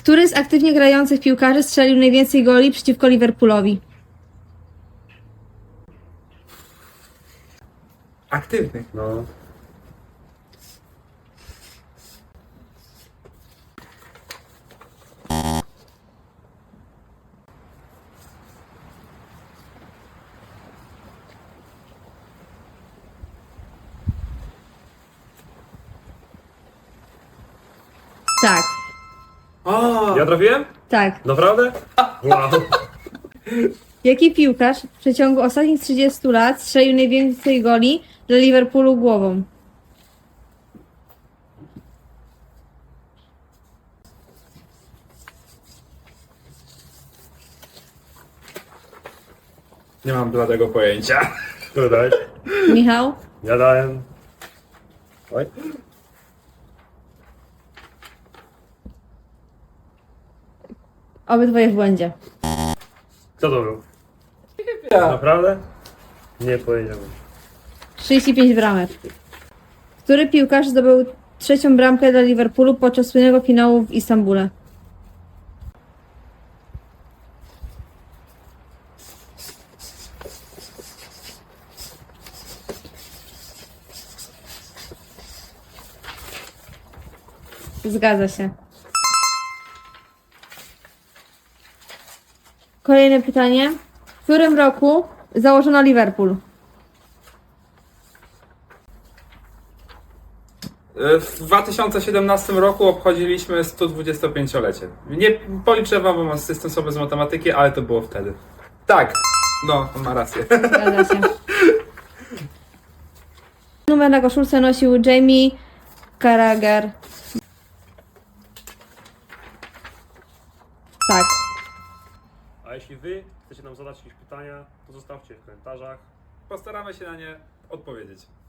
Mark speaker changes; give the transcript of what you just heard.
Speaker 1: Który z aktywnie grających piłkarzy strzelił najwięcej goli przeciwko Liverpoolowi?
Speaker 2: Aktywny.
Speaker 3: No.
Speaker 1: Tak,
Speaker 2: O!
Speaker 3: Ja trafiłem?
Speaker 1: tak.
Speaker 3: Naprawdę? Wow.
Speaker 1: Jaki piłkarz w przeciągu ostatnich 30 lat strzelił najwięcej goli dla Liverpoolu głową?
Speaker 2: Nie mam bladego pojęcia.
Speaker 3: Tutaj.
Speaker 1: Michał?
Speaker 3: Ja dałem. Oj.
Speaker 1: Obydwoje w błędzie.
Speaker 3: Kto to był?
Speaker 2: Ja.
Speaker 3: Naprawdę? Nie powiedziałem.
Speaker 1: 35 bramek. Który piłkarz zdobył trzecią bramkę dla Liverpoolu podczas słynnego finału w Istambule? Zgadza się. Kolejne pytanie. W którym roku założono Liverpool?
Speaker 2: W 2017 roku obchodziliśmy 125-lecie. Nie policzę wam, bo jestem sobie z matematyki, ale to było wtedy. Tak, no, on ma rację.
Speaker 1: Zgadza się. Numer na koszulce nosił Jamie Carragher. Tak.
Speaker 3: A jeśli wy chcecie nam zadać jakieś pytania, to zostawcie w komentarzach.
Speaker 2: Postaramy się na nie odpowiedzieć.